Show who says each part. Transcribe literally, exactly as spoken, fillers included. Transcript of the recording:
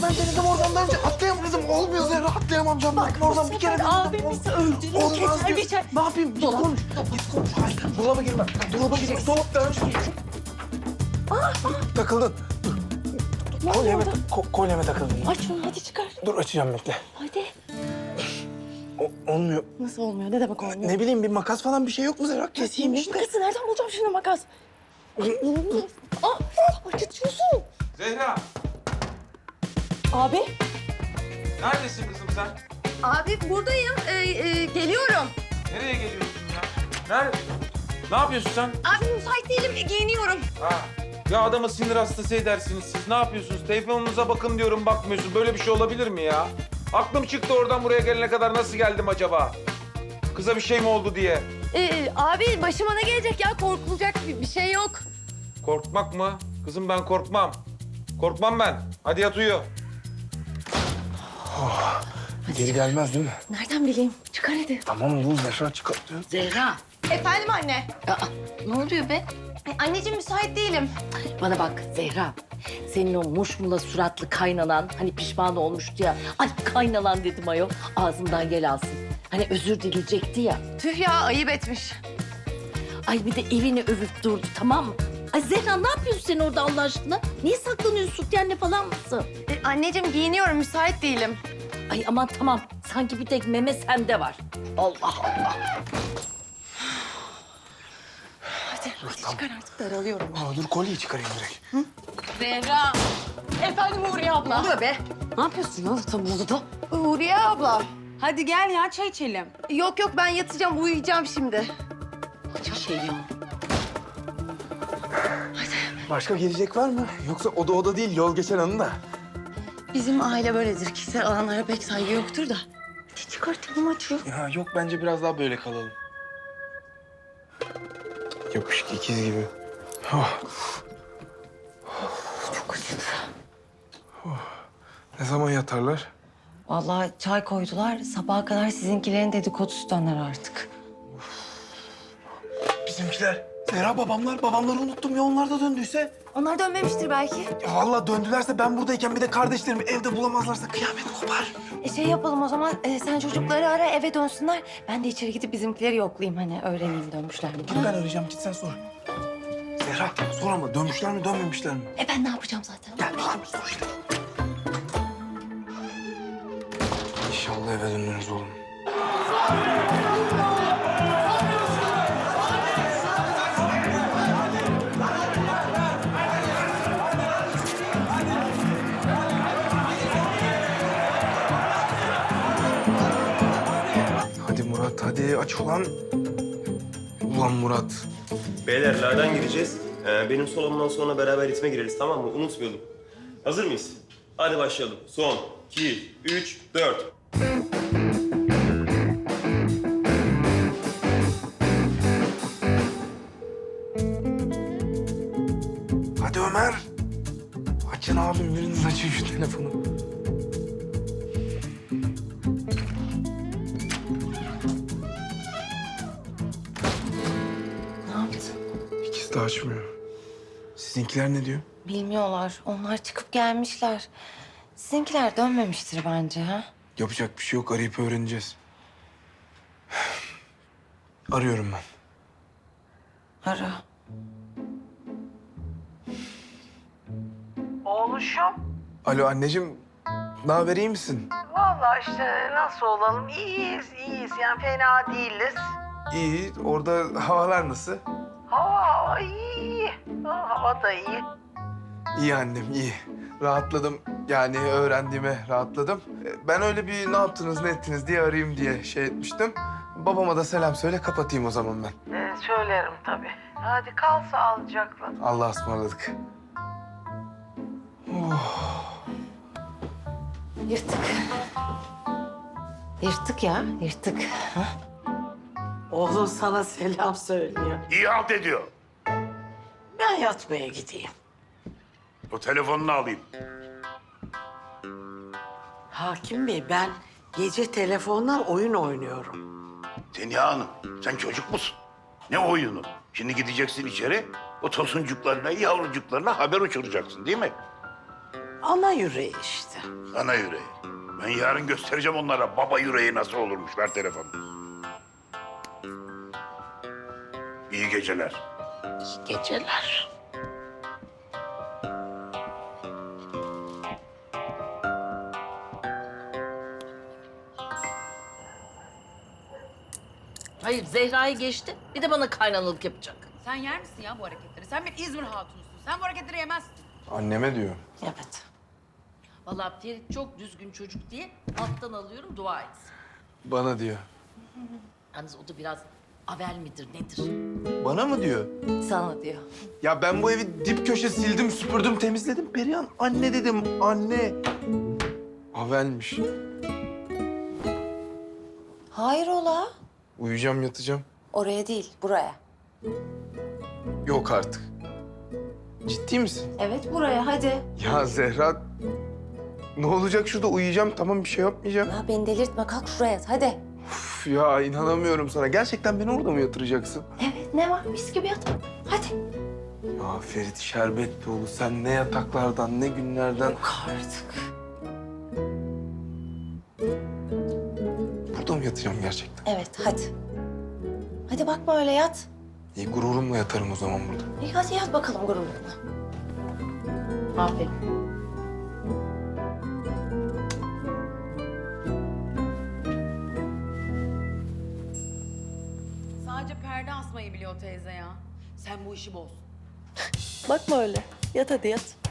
Speaker 1: ben denedim oradan daha önce atlayamadım. Olmuyor Zehra, atlayamam camdan.
Speaker 2: Bak
Speaker 1: Oradan
Speaker 2: bu
Speaker 1: bir kere
Speaker 2: sefer abimizi öldürür,
Speaker 1: Olmaz
Speaker 2: keser
Speaker 1: diyor.
Speaker 2: biçer.
Speaker 1: Ne yapayım? Git
Speaker 2: Dolap.
Speaker 1: konuş. Git konuş. Hayır, dolaba girme. Dolaba girme. Dolap daha önce. Takıldın. Dur.
Speaker 2: Ne
Speaker 1: Kolyeme,
Speaker 2: oldu?
Speaker 1: ko- kolyeme takıldın.
Speaker 2: Aç şunu hadi çıkar.
Speaker 1: Dur açacağım bekle.
Speaker 2: Hadi.
Speaker 1: O, olmuyor.
Speaker 2: Nasıl olmuyor? Ne demek olmuyor?
Speaker 1: Ne bileyim bir makas falan bir şey yok mu Zehra? Keseyim işte.
Speaker 2: Makası nereden bulacağım şimdi makas? Aa, acıtıyorsun.
Speaker 3: Zehra,
Speaker 2: Abi.
Speaker 3: neredesin kızım sen?
Speaker 2: Abi buradayım. Ee, e, geliyorum.
Speaker 3: Nereye geliyorsun ya? Nerede? Ne yapıyorsun sen?
Speaker 2: Abi müsait değilim. Giyiniyorum.
Speaker 3: Ha. Ya adamı sinir hastası edersiniz siz. Ne yapıyorsunuz? Telefonunuza bakın diyorum bakmıyorsun. Böyle bir şey olabilir mi ya? Aklım çıktı oradan buraya gelene kadar nasıl geldim acaba? Kıza bir şey mi oldu diye.
Speaker 2: Ee, abi başıma ne gelecek ya? Korkulacak bir, bir şey yok.
Speaker 3: Korkmak mı? Kızım ben korkmam. Korkmam ben. Hadi yat uyu.
Speaker 1: Geri gelmez değil mi?
Speaker 2: Nereden bileyim? Çıkar hadi.
Speaker 1: Tamam bu Zehra çıkartıyor.
Speaker 4: Zehra.
Speaker 2: Efendim anne.
Speaker 4: Aa, ne oluyor be?
Speaker 2: E, anneciğim müsait değilim.
Speaker 4: Bana bak Zehra. Senin o muşmula suratlı kaynanan hani pişman olmuştu ya. Ay kaynanan dedim ayol. Ağzımdan yel alsın. Hani özür dileyecekti ya.
Speaker 2: Tüh ya ayıp etmiş.
Speaker 4: Ay bir de evini övüp durdu tamam mı? Ay Zehra ne yapıyorsun sen orada Allah aşkına? Niye saklanıyorsun? Sütyenle falan mısın?
Speaker 2: E, anneciğim giyiniyorum müsait değilim.
Speaker 4: Ay aman tamam. Sanki bir tek meme sende var. Allah Allah.
Speaker 2: Hadi, hadi çıkar artık daralıyorum.
Speaker 1: Aa, dur kolyeyi çıkarayım direkt.
Speaker 2: Zehra. Efendim Huriye abla.
Speaker 5: Ne oluyor be? Ne yapıyorsun ya tam odada?
Speaker 2: Huriye abla.
Speaker 5: Hadi gel ya çay içelim.
Speaker 2: Yok yok ben yatacağım uyuyacağım şimdi.
Speaker 5: Acı şey ya.
Speaker 1: Başka gelecek var mı? Yoksa oda oda değil yol geçen anı da.
Speaker 2: Bizim aile böyledir. Kişisel alanlara pek saygı yoktur da. Hadi çıkartalım açıyor.
Speaker 1: Ya yok bence biraz daha böyle kalalım. Yapışık ikiz gibi. Oh.
Speaker 2: Çok acıdı.
Speaker 1: Ne zaman yatarlar?
Speaker 5: Vallahi çay koydular. Sabaha kadar sizinkilerin dedikodusu döner artık.
Speaker 1: Bizimkiler. Zehra babamlar. Babamları unuttum ya onlar da döndüyse.
Speaker 2: Onlar dönmemiştir belki.
Speaker 1: Ya vallahi döndülerse ben buradayken bir de kardeşlerimi evde bulamazlarsa kıyamet kopar.
Speaker 2: E şey yapalım o zaman. e, sen çocukları ara eve dönsünler. Ben de içeri gidip bizimkileri yoklayayım. Hani öğreneyim dönmüşler mi?
Speaker 1: Dur ben arayacağım git sen sor. Zehra sor ama dönmüşler mi dönmemişler mi?
Speaker 2: E ben ne yapacağım zaten?
Speaker 1: Gelmişler mi sor işte. İnşallah eve dönürüz oğlum. Hadi Murat hadi aç ulan. Ulan Murat.
Speaker 6: Beyler la'dan gireceğiz. Ee, benim solumdan sonra beraber ritme gireriz tamam mı? Unutmayalım. Hazır mıyız? Hadi başlayalım. Son, iki, üç, dört.
Speaker 1: Hadi Ömer. Açın abim biriniz açın şu telefonu.
Speaker 2: Ne yaptın?
Speaker 1: İkisi de açmıyor. Sizinkiler ne diyor?
Speaker 2: Bilmiyorlar. Onlar çıkıp gelmişler. Sizinkiler dönmemiştir bence ha.
Speaker 1: Yapacak bir şey yok. Arayıp öğreneceğiz. Arıyorum ben.
Speaker 2: Ara.
Speaker 7: Oğluşum,
Speaker 1: Alo anneciğim. Ne haber iyi misin?
Speaker 7: vallahi işte nasıl olalım? İyiyiz, iyiyiz. Yani fena değiliz.
Speaker 1: İyi. Orada havalar nasıl?
Speaker 7: Hava, hava iyi, iyi. Ha, hava da iyi.
Speaker 1: İyi annem iyi. Rahatladım. Yani öğrendiğime rahatladım. Ee, Ben öyle bir ne yaptınız ne ettiniz diye arayayım diye şey etmiştim. Babama da selam söyle kapatayım o zaman ben.
Speaker 7: Ee, söylerim tabii. Hadi kal sağlıcakla.
Speaker 1: Allah'a ısmarladık.
Speaker 2: Yırttık. Yırttık ya, yırttık. Ha?
Speaker 7: Oğlum sana selam söylüyor.
Speaker 8: İyi halt ediyor.
Speaker 7: Ben yatmaya gideyim.
Speaker 8: O telefonunu alayım.
Speaker 7: Hakim Bey, ben gece telefonla oyun oynuyorum.
Speaker 8: Seniha Hanım, sen çocuk musun? Ne oyunu? Şimdi gideceksin içeri, o tosuncuklarına, yavrucuklarına haber uçuracaksın değil mi?
Speaker 7: Ana yüreği işte.
Speaker 8: Ana yüreği. Ben yarın göstereceğim onlara baba yüreği nasıl olurmuş. Ver telefonu. İyi geceler.
Speaker 7: İyi geceler.
Speaker 4: Hayır Zehra'yı geçti. Bir de bana kaynanalık yapacak.
Speaker 9: Sen yer misin ya bu hareketleri? Sen bir İzmir hatunusun. Sen bu hareketleri yemezsin.
Speaker 1: Anneme diyor.
Speaker 2: Evet.
Speaker 4: Vallahi Ferit çok düzgün çocuk diye alttan alıyorum, dua et.
Speaker 1: Bana diyor.
Speaker 4: Yalnız o da biraz avel midir nedir?
Speaker 1: Bana mı diyor?
Speaker 2: Sana diyor.
Speaker 1: Ya ben bu evi dip köşe sildim, süpürdüm, temizledim. Perihan anne dedim, anne. Havelmiş.
Speaker 2: Hayrola?
Speaker 1: Uyuyacağım, yatacağım.
Speaker 2: Oraya değil, buraya.
Speaker 1: Yok artık. Ciddi misin?
Speaker 2: Evet, buraya hadi.
Speaker 1: Ya Zehra, ne olacak şurada uyuyacağım, tamam bir şey yapmayacağım.
Speaker 2: Ya beni delirtme, kalk şuraya yat, hadi.
Speaker 1: Üf ya inanamıyorum sana. Gerçekten beni orada mı yatıracaksın?
Speaker 2: Evet, ne var? Mis gibi yat. Hadi.
Speaker 1: Ya Ferit Şerbetlioğlu sen ne yataklardan, ne günlerden...
Speaker 2: Yok artık.
Speaker 1: Burada mı yatacağım gerçekten?
Speaker 2: Evet, hadi. Hadi bakma öyle yat.
Speaker 1: İyi gururumla yatarım o zaman burada.
Speaker 2: İyi hadi yat bakalım gururunla.
Speaker 4: Aferin.
Speaker 9: Sadece perde asmayı biliyor teyze ya. Sen bu işi boz.
Speaker 2: Bakma öyle. Yat hadi yat.